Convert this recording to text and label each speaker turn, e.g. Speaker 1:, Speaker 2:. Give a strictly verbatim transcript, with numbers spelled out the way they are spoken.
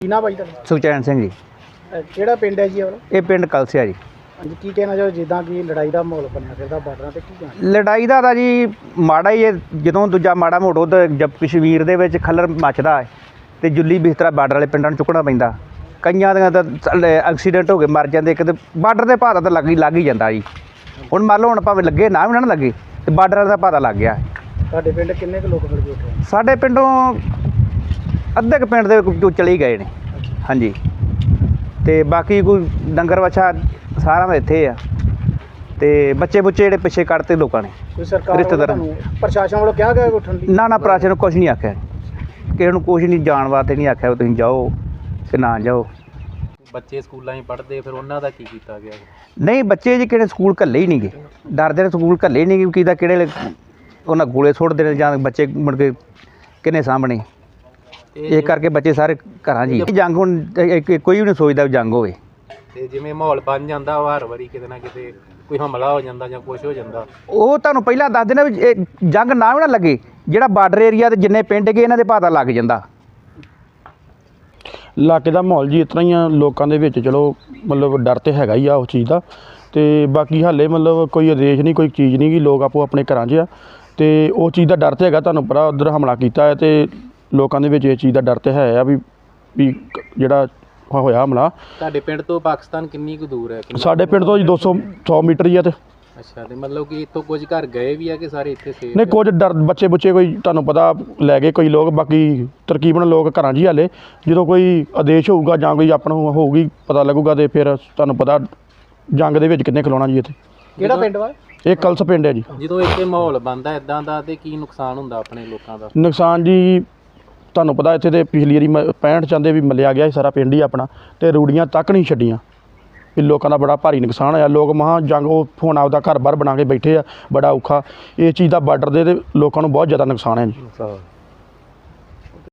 Speaker 1: ਕੀ ਨਾ ਭਾਈ ਤੁਹਾਡਾ?
Speaker 2: ਸੁਖਚੈਨ ਸਿੰਘ ਜੀ।
Speaker 1: ਕਿਹੜਾ ਪਿੰਡ ਹੈ ਜੀ?
Speaker 2: ਇਹ ਪਿੰਡ ਕਲਸਿਆ ਜੀ।
Speaker 1: ਹਾਂਜੀ, ਕੀ ਕਹਿਣਾ ਚਾਹੋ ਜਿੱਦਾਂ ਕਿ ਲੜਾਈ ਦਾ ਮਾਹੌਲ ਬਣਿਆ ਫਿਰਦਾ ਬਾਰਡਰਾਂ 'ਤੇ, ਕੀ ਕਹਿਣਾ?
Speaker 2: ਲੜਾਈ ਦਾ ਤਾਂ ਜੀ ਮਾੜਾ ਹੀ ਹੈ। ਜਦੋਂ ਦੂਜਾ ਮਾੜਾ ਮੋਟੋ ਤਾਂ ਜਦ ਕਸ਼ਮੀਰ ਦੇ ਵਿੱਚ ਖੱਲਰ ਮੱਚਦਾ ਹੈ ਅਤੇ ਜੁੱਲੀ ਬਿਸਤਰਾ ਬਾਰਡਰ ਵਾਲੇ ਪਿੰਡਾਂ ਨੂੰ ਚੁੱਕਣਾ ਪੈਂਦਾ। ਕਈਆਂ ਦੀਆਂ ਤਾਂ ਐਕਸੀਡੈਂਟ ਹੋ ਕੇ ਮਰ ਜਾਂਦੇ। ਕਿਤੇ ਬਾਰਡਰ ਦੇ ਭਾਅ ਤਾਂ ਲੱਗ ਹੀ ਲੱਗ ਹੀ ਜਾਂਦਾ ਜੀ। ਹੁਣ ਮੰਨ ਲਓ ਹੁਣ ਭਾਵੇਂ ਲੱਗੇ ਨਾ ਵੀ ਨਾ ਲੱਗੇ ਅਤੇ ਬਾਰਡਰ ਵਾਲੇ ਦਾ ਭਾਅ ਲੱਗ ਗਿਆ।
Speaker 1: ਤੁਹਾਡੇ ਪਿੰਡ ਕਿੰਨੇ ਕੁ ਲੋਕ ਮਿਲ ਗਏ ਉੱਥੇ?
Speaker 2: ਸਾਡੇ ਪਿੰਡੋਂ ਅੱਧੇ ਕੁ ਪਿੰਡ ਦੇ ਵਿੱਚੋਂ ਚਲੇ ਹੀ ਗਏ ਨੇ। ਹਾਂਜੀ, ਅਤੇ ਬਾਕੀ ਕੋਈ ਡੰਗਰ ਵੱਛਾ ਸਾਰਿਆਂ ਦਾ ਇੱਥੇ ਆ, ਅਤੇ ਬੱਚੇ ਬੁੱਚੇ ਜਿਹੜੇ ਪਿੱਛੇ ਕੱਢਤੇ ਲੋਕਾਂ ਨੇ।
Speaker 1: ਕੋਈ ਸਰਕਾਰ ਰਿਸ਼ਤੇਦਾਰਾਂ ਨੂੰ ਪ੍ਰਸ਼ਾਸਨ ਵੱਲੋਂ ਕਿਹਾ ਗਿਆ ਉੱਠਣ ਦੀ?
Speaker 2: ਨਾ ਨਾ ਪ੍ਰਸ਼ਾਸਨ ਨੂੰ ਕੁਛ ਨਹੀਂ ਆਖਿਆ, ਕਿਸੇ ਨੂੰ ਕੁਛ ਨਹੀਂ ਜਾਣ ਵਾਸਤੇ ਨਹੀਂ ਆਖਿਆ ਤੁਸੀਂ ਜਾਓ ਕਿ ਨਾ ਜਾਓ।
Speaker 3: ਬੱਚੇ ਸਕੂਲਾਂ 'ਚ ਪੜ੍ਹਦੇ ਫਿਰ ਉਹਨਾਂ ਦਾ ਕੀ ਕੀਤਾ ਗਿਆ?
Speaker 2: ਨਹੀਂ, ਬੱਚੇ ਜੀ ਕਿਹੜੇ ਸਕੂਲ ਘੱਲੇ ਹੀ ਨਹੀਂ ਗਏ, ਡਰਦੇ ਨੇ ਸਕੂਲ ਘੱਲੇ ਹੀ ਨਹੀਂ ਗਏ। ਕਿਦਾ ਕਿਹੜੇ ਉਹਨਾਂ ਗੋਲੇ ਸੁੱਟਦੇ ਨੇ ਜਾਂ ਬੱਚੇ ਮੁੜ ਕੇ ਕਿਹਨੇ ਸਾਹਮਣੇ। ਇਹ ਕਰਕੇ ਬੱਚੇ ਸਾਰੇ ਘਰਾਂ 'ਚ ਹੀ। ਜੰਗ ਹੁਣ ਕੋਈ ਵੀ ਨਹੀਂ ਸੋਚਦਾ ਜੰਗ ਹੋਵੇ।
Speaker 3: ਅਤੇ ਜਿਵੇਂ ਮਾਹੌਲ ਬਣ ਜਾਂਦਾ ਵਾ ਹਰ ਵਾਰੀ ਕਿਤੇ ਨਾ ਕਿਤੇ ਕੋਈ ਹਮਲਾ ਹੋ ਜਾਂਦਾ ਜਾਂ ਕੁਛ ਹੋ ਜਾਂਦਾ,
Speaker 2: ਉਹ ਤੁਹਾਨੂੰ ਪਹਿਲਾਂ ਦੱਸ ਦੇਣਾ ਵੀ ਇਹ ਜੰਗ ਨਾ ਵੀ ਨਾ ਲੱਗੇ, ਜਿਹੜਾ ਬਾਰਡਰ ਏਰੀਆ ਦੇ ਜਿੰਨੇ ਪਿੰਡ ਗਏ ਇਹਨਾਂ ਦੇ ਪਤਾ ਲੱਗ ਜਾਂਦਾ।
Speaker 4: ਇਲਾਕੇ ਦਾ ਮਾਹੌਲ ਜੀ ਇਸ ਤਰ੍ਹਾਂ ਹੀ ਆ ਲੋਕਾਂ ਦੇ ਵਿੱਚ। ਚਲੋ ਮਤਲਬ ਡਰ ਤਾਂ ਹੈਗਾ ਹੀ ਆ ਉਸ ਚੀਜ਼ ਦਾ, ਅਤੇ ਬਾਕੀ ਹਾਲੇ ਮਤਲਬ ਕੋਈ ਆਦੇਸ਼ ਨਹੀਂ, ਕੋਈ ਚੀਜ਼ ਨਹੀਂ ਕਿ ਲੋਕ ਆਪੋ ਆਪਣੇ ਘਰਾਂ 'ਚ ਆ, ਅਤੇ ਉਹ ਚੀਜ਼ ਦਾ ਡਰ ਤਾਂ ਹੈਗਾ। ਤੁਹਾਨੂੰ ਪਤਾ ਉੱਧਰ ਹਮਲਾ ਕੀਤਾ ਹੈ ਅਤੇ ਲੋਕਾਂ ਦੇ ਵਿੱਚ ਇਹ ਚੀਜ਼ ਦਾ ਡਰ ਤਾਂ ਹੈ ਆ ਵੀ ਵੀ ਜਿਹੜਾ ਹੋਇਆ ਹਮਲਾ।
Speaker 3: ਤੁਹਾਡੇ ਪਿੰਡ ਤੋਂ ਪਾਕਿਸਤਾਨ ਕਿੰਨੀ ਕੁ ਦੂਰ ਹੈ?
Speaker 4: ਸਾਡੇ ਪਿੰਡ ਤੋਂ ਜੀ ਦੋ ਸੌ ਸੌ ਮੀਟਰ ਹੀ ਆ। ਅਤੇ
Speaker 3: ਅੱਛਾ, ਅਤੇ ਮਤਲਬ ਕਿ ਇੱਥੋਂ ਕੁਝ ਘਰ ਗਏ ਵੀ ਆ ਕਿ ਸਾਰੇ ਇੱਥੇ ਸੇਫ?
Speaker 4: ਨਹੀਂ, ਕੁਝ ਡਰ ਬੱਚੇ ਬੁੱਚੇ ਕੋਈ ਤੁਹਾਨੂੰ ਪਤਾ ਲੈ ਗਏ ਕੋਈ ਲੋਕ, ਬਾਕੀ ਤਰਕੀਬਨ ਲੋਕ ਘਰਾਂ 'ਚ ਹੀ ਹਾਲੇ। ਜਦੋਂ ਕੋਈ ਆਦੇਸ਼ ਹੋਊਗਾ ਜਾਂ ਕੋਈ ਆਪਣਾ ਹੋਊਗੀ ਪਤਾ ਲੱਗੂਗਾ, ਅਤੇ ਫਿਰ ਤੁਹਾਨੂੰ ਪਤਾ ਜੰਗ ਦੇ ਵਿੱਚ ਕਿੰਨੇ ਖਲੋਣਾ ਜੀ ਇੱਥੇ।
Speaker 1: ਕਿਹੜਾ ਪਿੰਡ ਵਾ?
Speaker 4: ਇਹ ਕਲਸ ਪਿੰਡ ਹੈ ਜੀ।
Speaker 3: ਜਦੋਂ ਇੱਥੇ ਮਾਹੌਲ ਬਣਦਾ ਇੱਦਾਂ ਦਾ ਅਤੇ ਕੀ ਨੁਕਸਾਨ ਹੁੰਦਾ ਆਪਣੇ ਲੋਕਾਂ ਦਾ?
Speaker 4: ਨੁਕਸਾਨ ਜੀ ਤੁਹਾਨੂੰ ਪਤਾ ਇੱਥੇ ਤਾਂ ਪਿਛਲੀ ਵਾਰੀ ਮ ਪੈਂਹਠ ਚਾਹੁੰਦੇ ਵੀ ਮੱਲਿਆ ਗਿਆ ਸੀ ਸਾਰਾ ਪਿੰਡ ਹੀ ਆਪਣਾ, ਅਤੇ ਰੂੜੀਆਂ ਤੱਕ ਨਹੀਂ ਛੱਡੀਆਂ। ਵੀ ਲੋਕਾਂ ਦਾ ਬੜਾ ਭਾਰੀ ਨੁਕਸਾਨ ਹੋਇਆ। ਲੋਕ ਮਹਾਂ ਜੰਗ ਉਹ ਹੁਣ ਆਪਦਾ ਘਰ ਬਾਹਰ ਬਣਾ ਕੇ ਬੈਠੇ ਆ, ਬੜਾ ਔਖਾ। ਇਹ ਚੀਜ਼ ਦਾ ਬਾਰਡਰ ਦੇ ਤੇ ਲੋਕਾਂ ਨੂੰ ਬਹੁਤ ਜ਼ਿਆਦਾ ਨੁਕਸਾਨ ਹੈ ਜੀ।